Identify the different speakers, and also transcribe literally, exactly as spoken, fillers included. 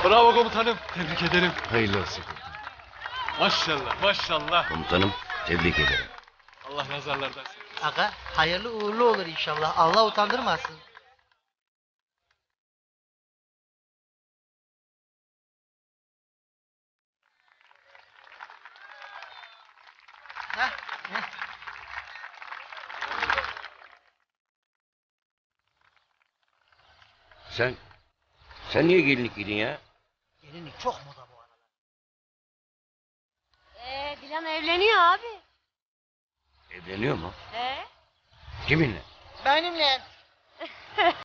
Speaker 1: Bravo komutanım. Tebrik ederim.
Speaker 2: Hayırlı olsun.
Speaker 1: Maşallah maşallah.
Speaker 2: Komutanım tebrik ederim.
Speaker 1: Allah nazarlardan saklasın.
Speaker 3: Aga hayırlı uğurlu olur inşallah. Allah utandırmasın. Heh, heh.
Speaker 2: Sen, sen niye gelinlik giydin ya?
Speaker 3: Gelinlik çok moda bu arada.
Speaker 4: Ee, Dilan evleniyor abi.
Speaker 2: Evleniyor mu?
Speaker 4: Ee?
Speaker 2: Kiminle?
Speaker 3: Benimle.